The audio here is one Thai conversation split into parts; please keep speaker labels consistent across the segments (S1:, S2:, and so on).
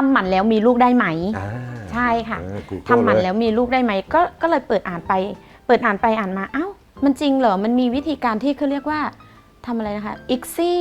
S1: ำหมันแล้วมีลูกได้ไหมใช่ค่ะทำหมันแล้วมีลูกได้ไหมก็เลยเปิดอ่านไปอ่านมาเอ้ามันจริงเหรอมันมีวิธีการที่เขาเรียกว่าทำอะไรนะคะICSI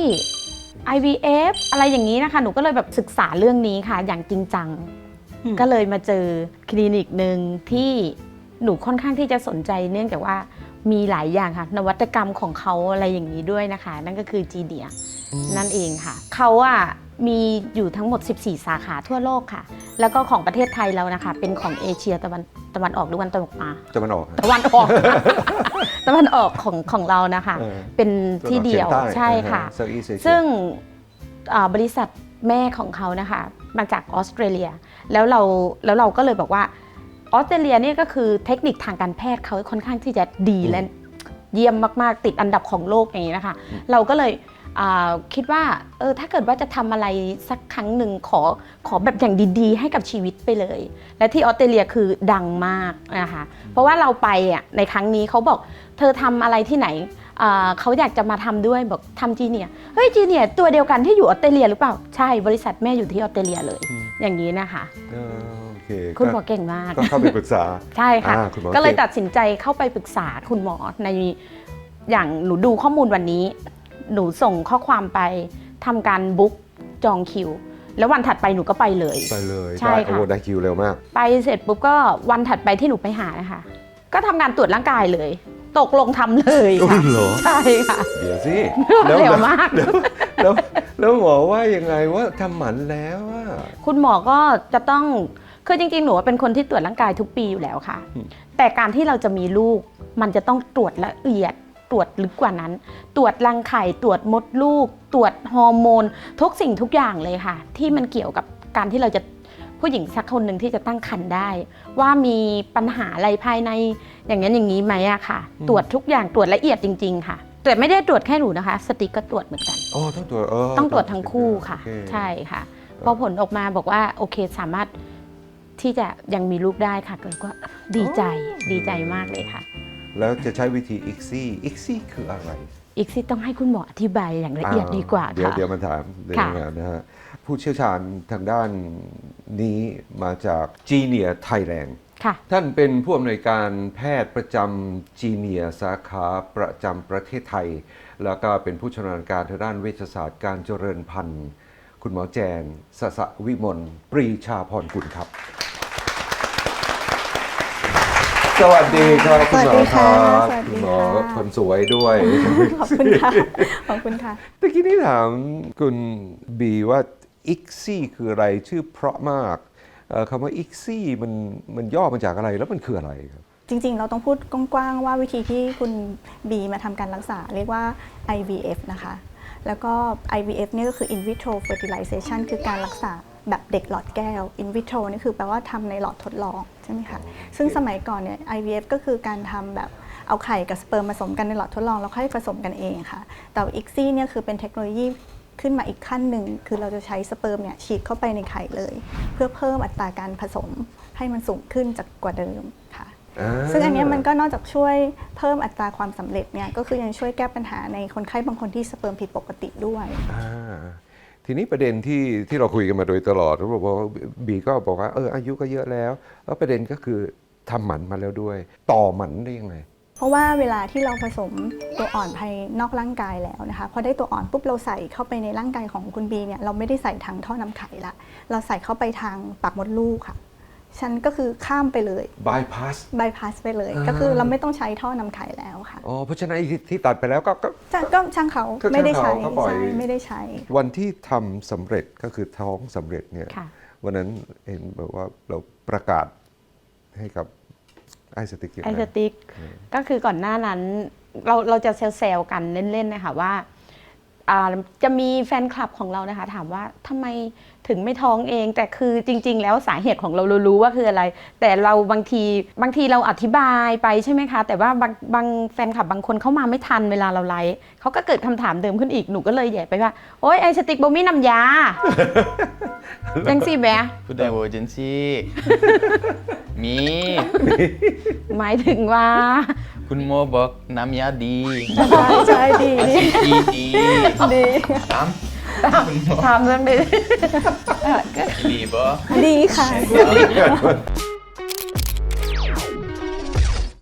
S1: IVF อะไรอย่างนี้นะคะหนูก็เลยแบบศึกษาเรื่องนี้ค่ะอย่างจริงจังก็เลยมาเจอคลินิกหนึ่งที่หนูค่อนข้างที่จะสนใจเนื่องจากว่ามีหลายอย่างค่ะนวัตกรรมของเขาอะไรอย่างนี้ด้วยนะคะนั่นก็คือจีเนียนั่นเองค่ะเขามีอยู่ทั้งหมด14สาขาทั่วโลกค่ะแล้วก็ของประเทศไทยเรานะคะเป็นของเอเชียตะวันออกหรือตะวันตกตะวันออกตะวันออกของเรานะคะเป็นที่เดียวใช่ค่ะซึ่งบริษัทแม่ของเขานะคะมาจากออสเตรเลียแล้วเราก็เลยบอกว่าออสเตรเลียนี่ก็คือเทคนิคทางการแพทย์เขาค่อนข้างที่จะดีและเยี่ยมมากๆติดอันดับของโลกอย่างนี้นะคะเราก็เลยคิดว่าถ้าเกิดว่าจะทำอะไรสักครั้งหนึ่งขอแบบอย่างดีๆให้กับชีวิตไปเลยและที่ออสเตรเลียคือดังมากนะคะเพราะว่าเราไปในครั้งนี้เขาบอกเธอทำอะไรที่ไหนเขาอยากจะมาทำด้วยบอกทำจีเนียเฮ้ยจีเนียตัวเดียวกันที่อยู่ออสเตรเลียหรือเปล่าใช่บริษัทแม่อยู่ที่ออสเตรเลียเลยอย่างนี้นะคะคุณหมอเก่งมาก
S2: ก็เข้าไปปรึกษา
S1: ใช่ค่ะก็เลยตัดสินใจเข้าไปปรึกษาคุณหมอในอย่างหนูดูข้อมูลวันนี้หนูส่งข้อความไปทำการบุ๊กจองคิวแล้ววันถัดไปหนูก็ไปเลย
S2: ใช่ค่ะได้คิวเร็วมาก
S1: ไปเสร็จปุ๊บก็วันถัดไปที่หนูไปหานะคะก็ทำการตรวจร่างกายเลยตกลงทำเลยค่ะใช่ค่ะ
S2: เดี๋ยวสิ
S1: เร็วมาก
S2: แล้วหมอว่ายังไงว่าทำหมันแล้ว
S1: คุณหมอก็จะต้องคือจริงๆหนูเป็นคนที่ตรวจร่างกายทุกปีอยู่แล้วค่ะแต่การที่เราจะมีลูกมันจะต้องตรวจละเอียดตรวจลึกกว่านั้นตรวจรังไข่ตรวจมดลูกตรวจฮอร์โมนทุกสิ่งทุกอย่างเลยค่ะที่มันเกี่ยวกับการที่เราจะผู้หญิงสักคนหนึ่งที่จะตั้งครรภ์ได้ว่ามีปัญหาอะไรภายในอย่างนั้นอย่างนี้ไหมค่ะตรวจทุกอย่างตรวจละเอียดจริงๆค่ะแต่ไม่ได้ตรวจแค่หนูนะคะสติ๊กก็ตรวจเหมือนกัน
S2: ต้องต
S1: รวจทั้งคู่ค่ะใช่ค่ะพอผลออกมาบอกว่าโอเคสามารถที่จะยังมีลูกได้ค่ะก็ดีใจมากเลยค่ะ
S2: แล้วจะใช้วิธี ICSI คืออะไร
S1: ICSI ต้องให้คุณหมออธิบายอย่างละเอียดดีกว่า
S2: เดี๋ยวมาถามนะฮะผู้เชี่ยวชาญทางด้านนี้มาจากจีเนียไทยแลนด์ท่านเป็นผู้อำนวยการแพทย์ประจำจีเนียสาขาประจำประเทศไทยแล้วก็เป็นผู้ชำนาญการทางด้านเวชศาสตร์การเจริญพันธุ์คุณหมอแจนสสวิมลปรีชาพรกุลครับสวัสดีครับคุณหมอครับคุณหมอคนสวยด้วย
S3: ขอบคุณค่ะขอบคุณค่ะ
S2: ตะกี้นี้ถามคุณบีว่าICSIคืออะไรชื่อเพราะมากคำว่าICSIมันย่อมาจากอะไรแล้วมันคืออะไรครับ
S3: จริงๆเราต้องพูดกว้างๆว่าวิธีที่คุณบีมาทำการรักษาเรียกว่า IVF นะคะแล้วก็ IVF นี่ก็คือ in vitro fertilization คือการรักษาแบบเด็กหลอดแก้ว in vitro นี่คือแปลว่าทำในหลอดทดลองใช่ไหมคะซึ่งสมัยก่อนเนี่ย IVF ก็คือการทำแบบเอาไข่กับสเปิร์มผสมกันในหลอดทดลองแล้วค่อยผสมกันเองค่ะแต่ ICSI เนี่ยคือเป็นเทคโนโลยีขึ้นมาอีกขั้นหนึ่งคือเราจะใช้สเปิร์มเนี่ยฉีดเข้าไปในไข่เลยเพื่อเพิ่มอัตราการผสมให้มันสูงขึ้นจากกว่าเดิมค่ะซึ่งอันนี้มันก็นอกจากช่วยเพิ่มอัตราความสำเร็จเนี่ยก็คือยังช่วยแก้ปัญหาในคนไข้บางคนที่สเปิร์มผิดปกติด้วย
S2: ทีนี้ประเด็นที่เราคุยกันมาโดยตลอดเราบอกว่าบีก็บอกว่าอายุก็เยอะแล้วประเด็นก็คือทำหมันมาแล้วด้วยต่อหมันได้ยังไง
S3: เพราะว่าเวลาที่เราผสมตัวอ่อนภายนอกร่างกายแล้วนะคะพอได้ตัวอ่อนปุ๊บเราใส่เข้าไปในร่างกายของคุณบีเนี่ยเราไม่ได้ใส่ทางท่อนำไข่ละเราใส่เข้าไปทางปากมดลูกค่ะฉันก็คือข้ามไปเลย bypass ไปเลยก็คือเราไม่ต้องใช้ท่อนำไข่แล้วค่ะ
S2: เพราะฉะนั้นที่ตัดไปแล้วก็
S3: ช่างเขาไม่ได้ใช้ไม่ได้ใช้
S2: วันที่ทำสำเร็จก็คือท้องสำเร็จเนี่ยวันนั้นเห็นแบบว่าเราประกาศให้กับไอสติ๊ก
S1: ก็คือก่อนหน้านั้นเราจะเซลล์กันเล่นๆนะคะว่าจะมีแฟนคลับของเรานะคะถามว่าทำไมถึงไม่ท้องเองแต่คือจริงๆแล้วสาเหตุของเรารู้ว่าคืออะไรแต่เราบางทีเราอธิบายไปใช่ไหมคะแต่ว่าบางแฟนคลับบางคนเข้ามาไม่ทันเวลาเราไลฟ์เขาก็เกิดคำถามเดิมขึ้นอีกหนูก็เลยแย่ไปว่าโอ๊ยไอสติ๊กบ่มีน้ำยาจังสิแบะ
S4: พูดได้โวเจนซี่มี
S1: หมายถึงว่า
S4: คุณโมบอกน้ำยาดี
S3: ใช่ดี
S4: ดี
S3: ดี
S1: ถามเรื่องนี้
S4: ดีบ่
S3: ดีค่ะ
S4: บ่